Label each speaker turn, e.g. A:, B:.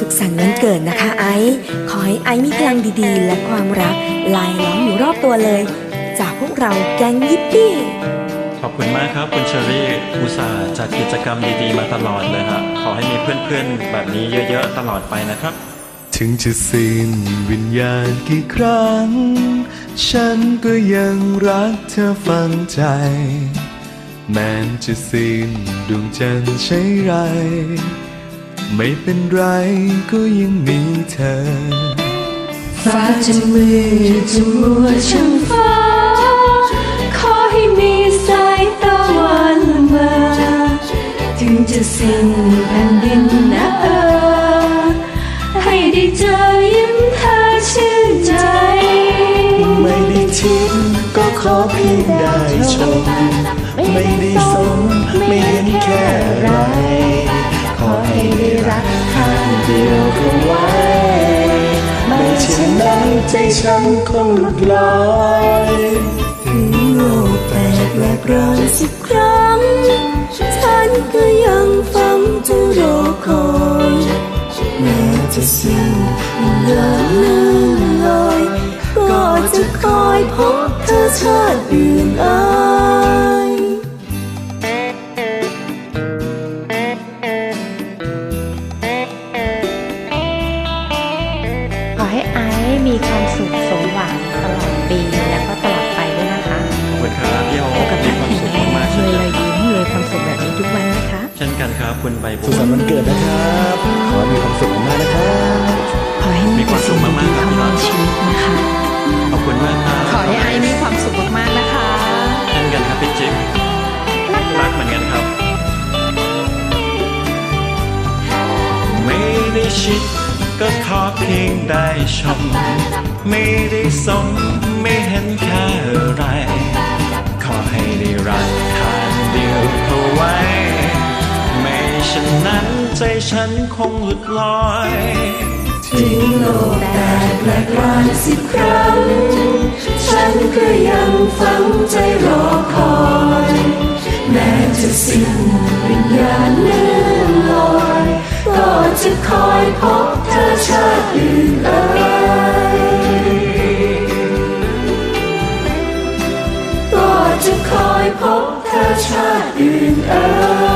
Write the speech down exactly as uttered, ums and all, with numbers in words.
A: สุขสันต์วันเกิดนะคะไอซ์ขอให้ไอซ์มีพลังดีๆและความรักลายล้อมอยู่รอบตัวเลยจากพวกเราแก๊งยิปปี้
B: ขอบคุณมากครับคุณเชอรี่อุตส่าห์จัดกิจกรรมดีๆมาตลอดเลยฮะขอให้มีเพื่อนๆแบบนี้เยอะๆตลอดไปนะครับ
C: ถึงจะสิ้นวิญญาณกี่ครั้งฉันก็ยังรักเธอฝังใจแม้จะสิ้นดวงจันทร์ใช่ไรไม่เป็นไรก็ยังมีเธอ
D: ฟ้าจะมืดจะมัวช่างฟ้าขอให้มีสายตะวันมาถึงจะสิ้นแผ่นดินนะเออให้ได้เจอยิ้มเธอชื่นใจ
C: ไม่ได้ทิ้งก็ขอเพียงได้ชมไม่ได้สมไม่เห็นแค่ไรขอให้ได้รักข้างเดียวก็ไว้ไม่เช่นนั้นใจฉันคงหลุดลอย
A: ถึงโลกแตกแหลกรานสิบครั้งฉันก็ยังฝันจะรอคอยแม้จะสิ้นวิญญาณเลื่อนลอยก็จะคอยพบเธอชาติอื่นอาย
E: ขอให้ไอซ์มีความสุขสมหวังตลอดปีแล้วก็ตลอดไปด้วยนะคะ
B: ขอบคุณครับพี่โอ๊คมีความสุขมากๆ
A: เลยเลยยิ้มเลยความสุขแบบนี้ทุกวันนะคะ
B: เช่นกันครับคุณใบบัว
C: สุขสันต์วันเกิดนะครับขอมีความสุขมากนะครับ
A: ขอให้มีความสุขมากๆครับพี่น้องชีวิตนะคะ
B: ขอบคุณมากครับ
E: ขอให้ไอซ์มีความสุขมากๆนะคะ
B: เช่นกันครับพี่จิ๊บรักเหมือนกันครับไม่ได้ชิดก็ขอเพียงได้ชมไม่ได้สมไม่เห็นแค่อะไรขอให้ได้รักข้างเดียวเข้าไว้ไม่เช่นนั้นใจฉันคงหลุดลอย
D: ถึงโลกแตกแหลกรานสิบครั้งฉันก็ยังฝังใจรอคอยแม้จะสิ้นวิญญาณเลื่อนลอยก็จะคอยพบเธอชาติอื่นเอ่ยก็จะคอยพบเธอชาติอื่นเอ่ย